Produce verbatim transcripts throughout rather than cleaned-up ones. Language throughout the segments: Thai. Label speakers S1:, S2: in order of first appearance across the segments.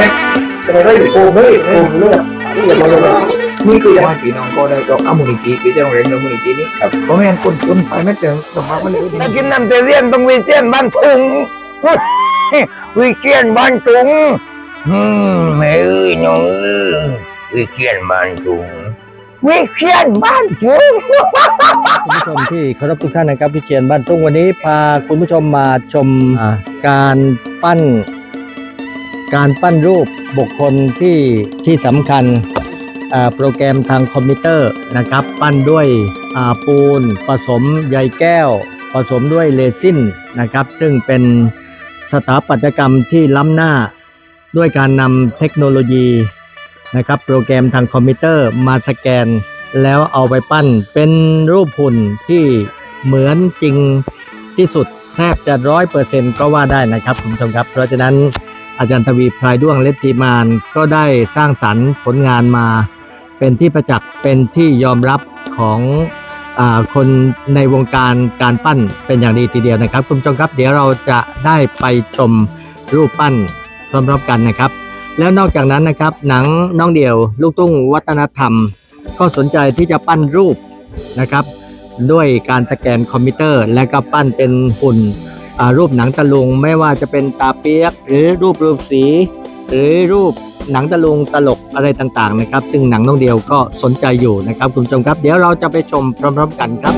S1: ม็ดเป็นอะไรโกงเลยโกงเลยนี่อย่าบอกเลยนี่คือยังไงพี่น้องก็ได้ก็เอามูลนิธิพี่จะโรงเรียนมูลนิธินี้ครับเพราะไม่งั้นคนคนไปไม่เจอสมบัติมันเลยถ้ากินน้ำเตเรียนต้องวิเชียนบ้านถุงวิเชียนบ้านถุงอืมแม่เอ้ยน้องเอ้ยวิเชียนบ้านถุงวิเชียนบ้านถุง
S2: คุณผู้ชมที่เคารพทุกท่านนะครับวิเชียนบ้านทุ่งวันนี้พาคุณผู้ชมมาชมการปั้นการปั้นรูปบุคคลที่ที่สำคัญโปรแกรมทางคอมพิวเตอร์นะครับปั้นด้วยปูนผสมใยแก้วผสมด้วยเรซินนะครับซึ่งเป็นสถาปัตยกรรมที่ล้ำหน้าด้วยการนำเทคโนโลยีนะครับโปรแกรมทางคอมพิวเตอร์มาสแกนแล้วเอาไปปั้นเป็นรูปหุ่นที่เหมือนจริงที่สุดแทบจะร้อยเปอร์เซ็นต์ก็ว่าได้นะครับคุณผู้ชมครับเพราะฉะนั้นอาจารย์ทวีพรายด้วงและทีมงานก็ได้สร้างสรรค์ผลงานมาเป็นที่ประจักษ์เป็นที่ยอมรับของอ่าคนในวงการการปั้นเป็นอย่างดีทีเดียวนะครับคุณผู้ชมครับเดี๋ยวเราจะได้ไปชมรูปปั้นพร้อมๆกันนะครับแล้วนอกจากนั้นนะครับหนังน้องเดี่ยวลูกทุ่งวัฒนธรรมก็สนใจที่จะปั้นรูปนะครับด้วยการสแกนคอมพิวเตอร์และก็ปั้นเป็นหุ่นรูปหนังตะลุงไม่ว่าจะเป็นตาเปียกหรือรูปรูปสีหรือรูปหนังตะลุงตลกอะไรต่างๆนะครับซึ่งหนังน้องเดียวก็สนใจอยู่นะครับคุณผู้ชมครับเดี๋ยวเราจะไปชมพร้อมๆกันครับ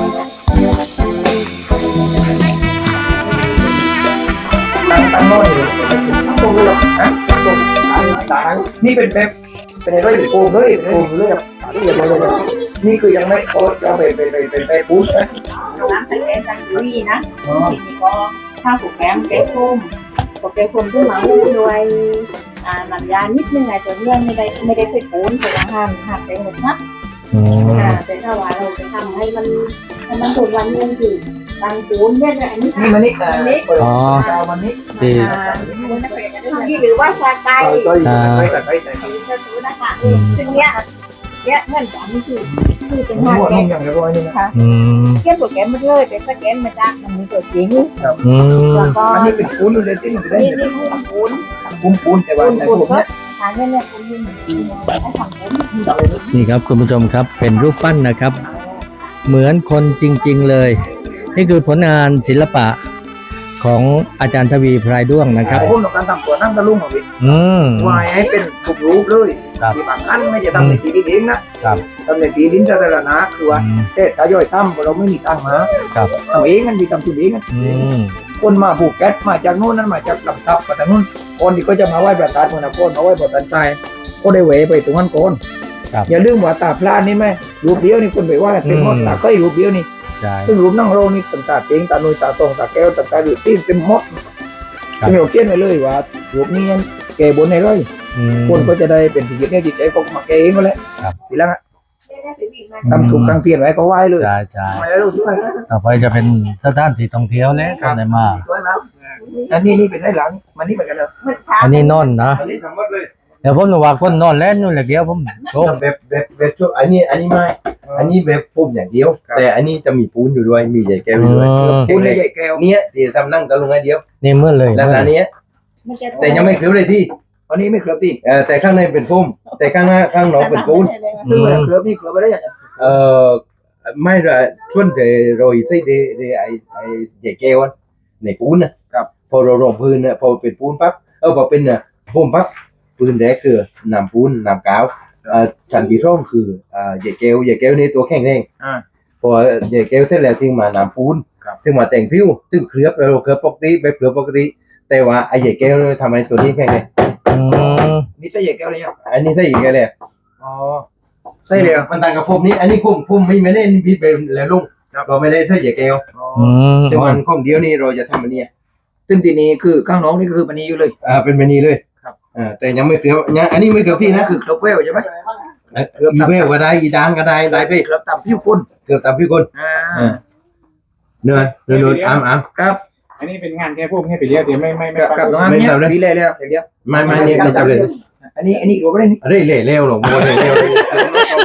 S1: ตั้งน้อยตรงนี้หรอนะตรงต่างนี่เป็นแบบเป็นอะไรโกงเลยโกงเลยครับนี่อย่าบอกเลยนี่คือยังไม่เขาจะไปไปไปไปไปบูสนะ
S3: น้ำใส่แกงจังดุยนะทีนี้ก็ถ้าผูกแกงแกงส้มก็แกงส้มขึ้นมาหุ้มด้วยอ่าน้ำยานิดนึงไงตัวเนี้ยไม่ได้ไม่ได้ใส่ปูนแต่ละหั่นหั่นเป็นหมดนะอ่าแต่ถ้าว่าเราจะทำให้มันให้มันถูกวันนี้คือตังปูนเนี่ยอันนี้
S1: นี่มันนี่อันนี้อ๋อชาวมันนี่
S2: ดี
S3: นี่หรือว่าซาไก่
S1: อ่าไปไปใส่
S3: ใส่กระสุนนะคะซึ่งเนี้ยเนี้ยเงื่อนกันคือคือเป็นงานแกงค่ะเขียนโปรแกรมมาเลยเป็นสแกนมาจากมันมีตัวจริง
S1: แล้วก็อันนี้เป็นปูนเลยที่มันได้
S3: นี่นี่ปูน
S1: ปูนปูนแต่ว่าในพวกนี้
S3: ทางเนี่ยปูนนี่ให้ทำปูน
S2: นี่ครับคุณผู้ชมครับเป็นรูปปั้นนะครับเหมือนคนจริงๆเลยนี่คือผลงานศิลปะของอาจารย์ทวีพรายด้วงนะครับ
S1: ผมต้องการทำตัวนั่งตะลุงของพี่วายให้เป็นถูกรูปเลยที่บางท่านไม่จะทำในตีดินนะทำในตีดินจะแต่ละนะคือว่าแต่ถ้าย่อยทำเราไม่มีตังค์นะทำเองกันมีทำทุนเองกันคนมาผูกแก๊สมาจากโน่นนั้นมาจากลำทับมาจากโน่นคนที่ก็จะมาไหว้ประธานคนละคนมาไหว้ประธานใจก็ได้เหวไปตรงนั้นก่อนอย่าลืมว่าตาพลาดนี่ไหมรูปเดียวนี่คนไปไหว้เต็มหมดตาก็รูปเดียวนี่ซึ่งรูปนั่งโรนี่ต่างๆเองตาหนุ่ยตาตรงตาแก้วต่างๆหรือตีนเป็นมดซึ่งเราเขียนไว้เลยว่ารูปนี้แก่บนในร้อยคนก็จะได้เป็นสิ่งที่จิตใจเขามาแก่เองก็แล้วทีหลังทำถูกตั้งเทียนไว้ก็ไหว้เลย
S2: ใช่ใช่ต่อไปจะเป็นสถานที่ท่องเที่ยวแล้วก็ได้มา
S1: อันนี้นี่เป็นไรหลังมันนี่เหมือนกันเลย
S2: อันนี้นอนนะเดี๋ยวผมจะว่าคนนอนแล้วนู่นแหละเดียวผม
S4: โอ้แบบแบบแบบช่วงอันนี้อันนี้ไม่อันนี้แบบฟุ่มอย่างเดียวแต่อันนี้จะมีปูนอยู่ด้วยมีใหญ่แก้วอยู่ด้วย
S1: ปูนใหญ่แก้ว
S4: เนี้ยที่ทำนั่งตะลุงไอเดียว
S2: นี่เมื่อเลย
S4: แล้วอันนี้แต่ยังไม่เคลือบเลยที่
S1: อันนี้ไม่เคลือบที่
S4: เออแต่ข้างในเป็นฟุ่มแต่ข้างหน้าข้างนอกเป็นปูน
S1: คือเคลือบนี่เคลือบไปได้ยัง
S4: เออไม่ละช่วงแต่โรยใส่เดเดไอไอใหญ่แก้วในปูนนะครับพอเราลงพื้นเนี่ยพอเป็นปูนปั๊บเออพอเป็นเนี่ยฟุ่มปั๊บปืนแรกคือนำปูนนำกาวชั้นที่สองคือใหญ่แก้วใหญ่แก้วนี่ตัวแข็งแรงพอใหญ่แก้วเสร็จแล้วถึงมานำปูนถึงมาแต่งผิวถึงเคลือบเราเคลือบปกติแบบเคลือบปกติแต่ว่าไอ้ใหญ่แก้วทำไมตัวนี้แข็งแรง
S1: นี่ใช่ใหญ่แก้วเลย
S4: อันนี้ใช่ใหญ่แก้วเลย
S1: อ๋อใช่เลย
S4: มันต่างกับฟุ่มนี้อันนี้ฟุ่มฟุ่มไม่ไม่ได้บิดไปแล้วลุงเราไม่ได้ใช่ใหญ่แก้วแต่วันของเดียวนี่เราจะทำอันนี้
S1: ซึ่งทีนี้คือข้างน้องนี่คือมันนี้อยู่เลย
S4: อ่าเป็นมันนี้เลยอ่าแต่ยังไม่เคลียร์ยังอันนี้ไม่เคลียร์ที่นะ
S1: คือเคลือบเวลใช่ไหม
S4: อีเวลก็ได้อีดานก็ได้ได้ไป
S1: เคลือบตามผิวคน
S4: เคลือบตามผิวคน
S1: อ่
S4: าเนื้อเนื้อเนื้ออ้ามอ้าม
S1: ครับ
S5: อันนี้เป็นงานแค่พวกให้ไปเรียกเดี๋ยวไม่ไม่ไม่
S1: กับตรงนั้นเนี่ยดีเลยแล้วเดี๋ยว
S4: ไม่ไม่เนี่ยไม่จำเลย
S1: อันนี้อันนี้รู้ไหมนี่
S4: เร่เร่เร็วหรอกโมเร่เร็ว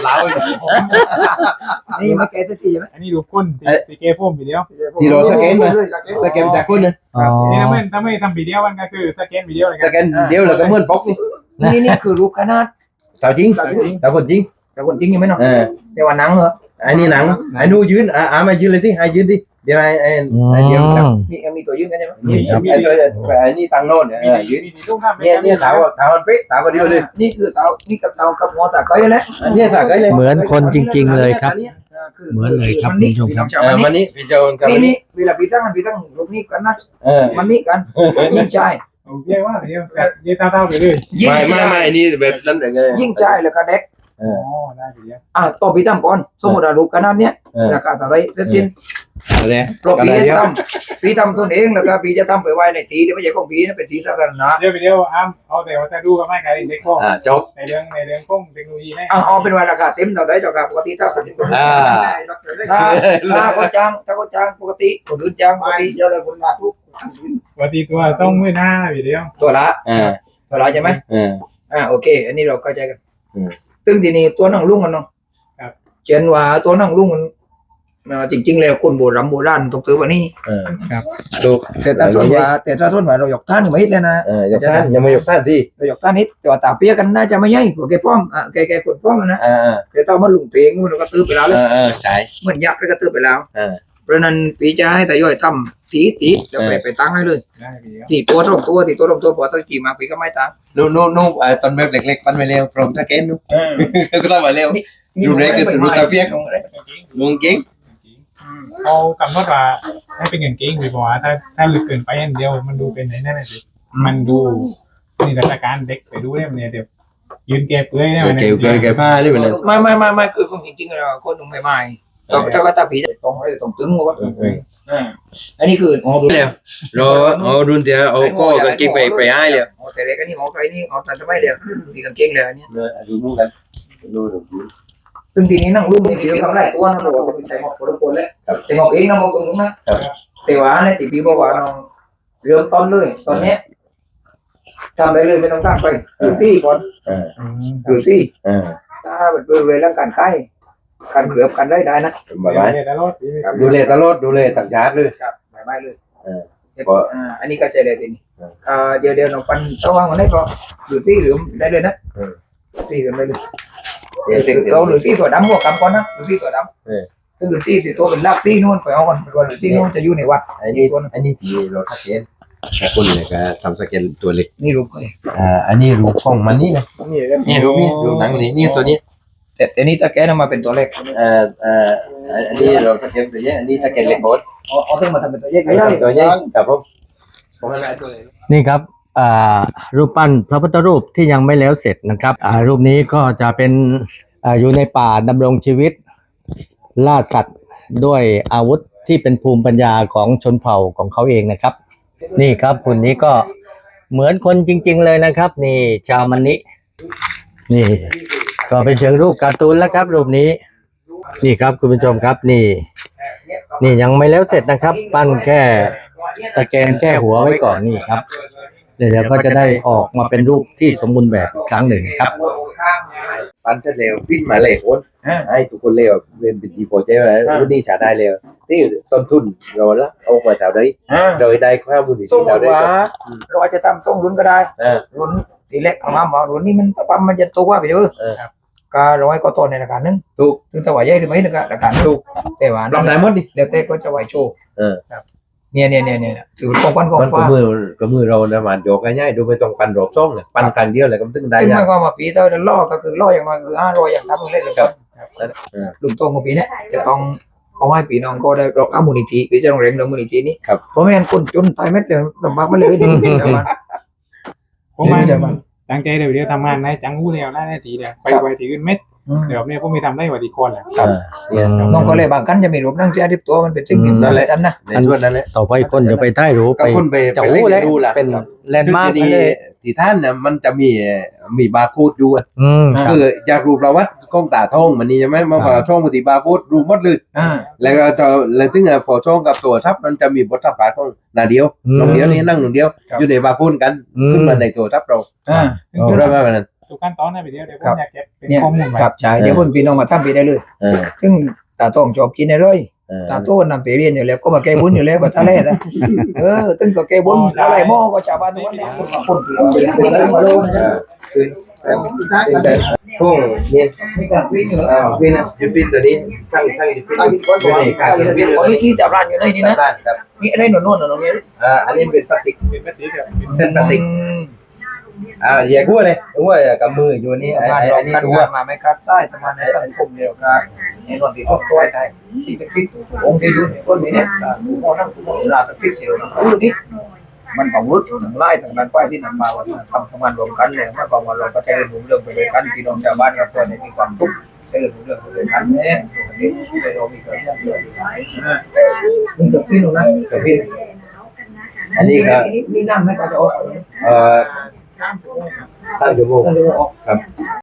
S4: ลาว
S1: นี่ไม่แก้สักทีใช่ไหม
S5: อันนี้ดูพ่นตีเกพ่มวิดีโอ
S4: ที่เราสแกนมาสแกนจากคนนะ
S2: อ๋อ
S5: นี่ถ้าไม่ถ้าไม่ทำวิดีโอมันก็คือสแกนวิดีโอเลย
S4: สแกนเดียวแล้วก็เหมือนป๊อกนี่
S1: นี่นี่คือรูปขนาด
S4: สาวจริงสาวคนจริง
S1: แต่คนจริงยังไม่เนาะ
S4: เออ
S1: แต่ว่าหนังเหรอ
S4: ไอ้นี่หนังไอ้นู่ยืนอ่ามายืนเลยที่ไอ้ยืนดิเดี๋ยวไอ้ไอ้ไอ้เดี๋ยวจับ
S1: มีมีตัวยื่นกันใช่ไหม
S4: นี่ไอ้ตัวไอ้นี่ตังโน่นเนี่ยยืน
S5: มีมีต้องทำ
S4: เนี่ยเนี่ยสาวสาวมันเป๊ะสาวก็เดียวเลย
S1: นี่คือเตานี่กับเตากับหัวตาก้อยแหละ
S4: เนี่ยสาวก็เลย
S2: เหมือนคนจริง ๆ เลยครับ เหมือนเลยครับคุณผู้ชมครับ
S4: เออมันนี่พี่โจนกับ
S1: นี่นี่เวลาพี่ตั้งมันพี่ตั้งรูปนี้กันนะ
S4: เออ
S1: มันนี่กันยิ่งใจ
S5: เรียกว่าวิดีโอแบบยืดเท้าๆไปเลย
S1: ยิ่ง
S4: ไม่ไม่ไม่นี่แบบนั้นเลย
S1: ยิ่งใจแล้วก็เด็ก
S4: เอ
S5: อ๋
S4: อ
S5: อได้วิดีโอ
S1: อ่ะต่อพี่ตั้งก่อนสมมติว่ารูปขนาดเนี้ย
S4: เออ
S1: ราคาเท่าไรเสร็จสิ้น
S4: อะไร
S1: ปลอกพี่จะทำพี่ทำตัวเองแล้วก็พี่จะทำไปไว้ในตีที่ไม่ใช่ของพี่นะเป็นตีสาธารณะ
S5: เดี๋ยววิดีโออ้ำเอาแต่ว่าจะดูกับไม่การเด็กพ่อ
S4: อ่าจบ
S5: ในเรื่องในเรื่องข้องเทคโนโลยีแน่
S1: อ่ะเอาเป็นว่าราคาเต็มเท่าไรเท่ากับปกติเท่ากัน
S4: อ่า
S1: ถ้าถ้าเขาจ้างถ้าเขาจ้างปกติคนอื่นจ้างปกติ
S3: เดี๋ยวเลยคุณมาทุก
S5: ปกติตัวต้องมือหน้าวิดีโอ
S1: ตัวละ
S4: อ่า
S1: ตัวละใช่ไหม
S4: อ่า
S1: อ่าโอเค อันนี้เราเข้าใจกัน
S4: อืม
S1: ซึ่งทีนี้ตัวนั่งลุงกันเนาะเช่นว่าตัวนั่งลุงมันอ่าจริง ๆ แล้วคนโบราณโบราณตกถือว่านี่
S4: เออดู
S1: แต่ถ้าส่วนว่าแต่ถ้าส่วนว่าเราหยอกท่านไม่ฮิตเลยนะ
S4: เออยกท่านยังไม่ยกท่านที่
S1: เราหยอกท่านฮิตแต่ว่าตาเปียกันน่าจะไม่ใช่พวกแกป้อมอ่ะแกแกคนป้อมนะ
S4: อ่าอ่า
S1: แต่ถ้ามันลุงเตงมันก็ตื้อไปแล้วเลย
S4: อ่าอ่าใช่
S1: เหมือนยักษ์แล้วก็ตื้อไปแล้ว
S4: อ่า
S1: เพราะนั้นปีจะให้แต่ย่อยทำตีตีแล้วไปไปตั้งให้เลย
S5: ได้วิดีโอ
S1: ตีตัวสองตัวตีตัวสองตัวพอตั้งกี่มาปีก็ไม่ตั้ง
S4: นู่นนู่นนู่นไอ้ตอนแบบเล็กๆปั้นไปเร็วพร้อมสแกนนู่นก็ต้องมาเร็ว ดูเล็กก็ดูตาเปียก ลุงเก่ง
S5: เอากำหนดว่าให้เป็นเงินเก่งดีกว่าถ้าถ้าลึกเกินไปอันเดียวมันดูเป็นไหนนั่นน่ะสิมันดูนี่ราชการเด็กไปดูได้เนี่ยเดี๋ยวยืนแกเปื่อยได้ไหม
S4: เกี่ยวกับแกผ้าด้วยมัน
S1: ไม่ไม่ไม่ไม่คือคนจริงๆเราคนหนุ่มใหม่ๆเราถ้าว่าตาผีจะตรงเลยตรงตึงว่าอ่าอันนี้คืออ๋อดู
S4: เร็วเราเอารุ่นเดียวเอาก็กางเกงไปไปให้เลย
S1: อ๋อแต่เด็กอันนี้อ๋อใครนี่อ๋อแต่ทำไมเดี๋ยวมีกางเกงเลยอันนี้
S4: ดูนู่นกันดูดู
S1: ซึ่งทีนี้นั่งรุ่นนี้เดียวทำได้ตัวนะเราบอกเป็นใจหมอกคนละคนแล้วใจหมอกเองนะมองตรงนู้นนะแต่ว่าในตีพีบอกว่าน้องเริ่มต้นเลยตอนเนี้ยทำได้เลยไม่ต้องตั้งไปหรือที่ก่อน
S4: อ่า
S1: หรือที่
S4: อ่า
S1: ถ้าเป็นบริเวณร่างกายใกล้การเกลือบกันได้ได้นะ
S4: บายบาย
S5: เนี่ยแล้ว
S4: ดูแลตลอดดูแลต่างชาติเลย
S1: ครับบายบายเลย
S4: เออ
S1: อ่าอันนี้ก็ใจเลยทีนี้อ่าเดี๋ยวเดี๋ยวน้องปันต้องวางวันนี้ก็หรือที่หรือได้เลยนะที่หรือได้เลยเราหรือที่ตัวดำหัวกำก่อนนะหรือที่ตัวดำซึ่งหรือที่ที่ตัวเป็นลากซี่นู่นไปเอาก่อนไปก่อนหรือที่นู่นจะอยู่ในวัด
S4: อันนี้อันนี้ที่เราสแกนแต่คนเนี่ยก็ทำสแกนตัวเล็ก
S1: นี่รูปเลย
S4: อ่าอันนี้รูปของมันนี่นะ
S1: นี่
S4: นี่รูปนี่รูปหนังนี่นี่ตัวนี้
S1: แต่แต่นี่ตะแกนมาเป็นตัวเล็ก
S4: อ่าอ่าอันนี้เราสแกนตัวนี้อันนี้สแกนเล็กโคตร
S1: เอาเอาต้องมาทำเป็นตัวแยก
S4: ตัว
S1: ได้
S4: นี้ครับผมผมอะไรตัวเล็ก
S2: นี่ครับอ่ารูปปั้นพระพุทธรูปที่ยังไม่แล้วเสร็จนะครับอ่ารูปนี้ก็จะเป็นอ่าอยู่ในป่าดำรงชีวิตล่าสัตว์ด้วยอาวุธที่เป็นภูมิปัญญาของชนเผ่าของเขาเองนะครับ นี่ครับหุ่นนี้ก็เหมือนคนจริง ๆเลยนะครับ นี่ชาวมันนินี่ก็เป็นเชิงรูปการ์ตูนแล้วครับ รูปนี้ นี่ครับคุณผู้ชมครับนี่ นี่ยังไม่แล้วเสร็จนะครับ ปั้นแค่สแกนแค่หัวไว้ก่อนนี่ครับเดี๋ยวก็จะได้ออกมาเป็นรูปที่สมบูรณ์แบบอีกครั้งหนึ่งครับ
S4: ปั้นจะเร็ววิ่งมาเลยคนให้ทุกคนเร็วเป็นเป็นดีโฟเจ้ไหมรุ่นนี้จะได้เร็วนี่ต้นทุนเราละเอามาจากไหนโดยได้ข้าวบุญที่
S1: ส่ง
S4: เราได้
S1: ว่าเราจะทำส่งรุ่นก็ได้
S4: อ่า
S1: รุ่นทีเล็กออกมาบอกรุ่นนี้มันปั๊มมันจะตัวไปเยอะ
S4: เออ
S1: ก็ร้อยก็ต้นในราคาหนึง
S4: ถูก
S1: ถึงแต่ว่าใหญ่ถึงไหมนึงราคาหนึงแต่ว่า
S4: ลองได้หมดดิ
S1: เดี๋ยวเต้ก็จะไหวโชว์
S4: เออ
S1: เนี่ยเนี่ยเนี่ยเนี่ยถือเป็นของขวัญของ
S4: มันก็
S1: ฟ้า
S4: มือก็มือเรานะมันโยกง่ายๆดูไม่ต้องปั้นรอบซ่องเลยปั้นครั้งเดียวเลยก็ตึ้งได้
S1: ซึ่งห
S4: ยาม
S1: าก ยความว่าปีเท่านั้นล่อก็คือล่ออย่างน้อยคือห้าร้อยอย่างทำเล่นเลยครับลุงโตของปีเนี้ยจะต้องเอาให้ปีน้องก็ได้รอกอามูลนิธิปีจะต้องเร่งดอกมูลนิธินี้เพราะไม่งั้นคนจนตายเม็ดเดียวลำบากมาเลยเดี๋ยวมัน
S5: ผมมาตั้งใจเดี๋ยวเดี๋ยวทำงานในจังหูเดียวได้ทีเดียวไปไปทีอื่นเม็ดเดี๋ยวเนี่ยผมไม่ทำได้วัติคอนแหละ
S4: ครับเนี่ย
S1: น้องก็เลยบางกันจะมีรูปนั่งเจ้าที่ตัวมันเป็นสิ่งที่นั่นแหละจันนะ
S4: ในช่วงนั้นแหละ
S2: ต่อไปคนจะไปใต้รูป
S4: ก็
S2: ไป
S4: คนไป
S2: จะ
S4: ไป
S2: อู้
S4: เล่
S2: แล้
S4: นดูล่ะ
S2: เป็นแลนด์มาร์ค
S4: ที่
S2: เลย
S4: ที่ท่านเนี่ยมันจะมีมีบาร์โค้ดอยู่อะ
S2: อืม
S4: คือจากรูปประวัติกล้องตาทองมันนี่ใช่ไหมมาพอช่องปฏิบาร์โค้ดรูปหมดเลย
S1: อ่า
S4: แล้วก็จะแล้วถึงพอช่องกับตัวทับมันจะมีบทสัมภาษณ์ของนาเดียวน้องเดียวนี่นั่งหนึ่งเดียวอยู่ในบาร์โค้ดกันขึ้นมาในตัวทับเรา
S1: อ่า
S4: เราได้ไหมวันนั้น
S5: ทุกขั้นตอนนะไปเดียวเดี๋ยวผ
S1: ครั
S5: ม
S1: บ
S5: อยากเก็บเป็น
S1: เนี่ย
S5: ข้อมูลไว้
S1: ครับใช่เดี๋ยวคนพี่น้องมาทำไปได้เลย
S2: เออ
S1: ซึ่งตาต้องชอบกินอะไร
S2: เออ
S1: ตาโต้นำไปเรียนอยู่แล้วก็มาแก้บุญอยู่แล้วแบบทะเลนะเออตึ้งก็แก้บุญอะไรหม้อก็ชาวบ้านทุกวันนี้คนที่เรามาลง
S4: อ่าคือแล้วเป็นแบบพวกเนี่ย
S1: นี่การวิ่งอยู่
S4: อ่าพี่นะยูปินตัวนี้ทั้งทั้งยูปิน
S1: ตั้งที่ก้น
S4: เป็นเอกการยูปิน
S1: นี่นี่จับร้านอยู่ในนี่นะ
S4: ด้านครับ
S1: นี่อะไรหนุนๆหนุนๆนี่
S4: อ่าอันนี้เป็นพลาสติก
S5: เป็นแบบนี้แบบ
S4: เส้นพลาสติกอ่าอย่ากู้เลยกู้กับมืออยู่นี่ไอ้
S1: งาน
S4: ไอ้
S1: เรา
S4: อันนี้
S1: คัด
S4: ตัว
S1: งานมาไม่คัดใต้ประมาณในสังคมเดียวกันในนนที่ต้องตัวไทยที่เป็นพิษองค์ที่อยู่ในคนนี้เนี่ยผู้พ่อนั่งผู้พ่อลาเป็นพิษเดียวนะอู้นี่มันของรุดทั้งไล่ทั้งนั้นป้ายที่นำมาวันทำทำงานรวมกันเลยมาบอกว่าเราก็ใช้เรื่องเรื่องไปด้วยกันพี่น้องชาวบ้านกับเพื่อนมีความสุขใช้เรื่องเรื่องไปด้วยกันเนี่ยเรามีเกิดเรื่องเรื่องนี่กับพี่น้องนะ
S4: กับพี่อันนี้ก็
S1: นี่นั่งไม่ก็จะออก
S4: เอ่อตั้งชั่วโมง
S1: ก็จะออก
S4: ครับ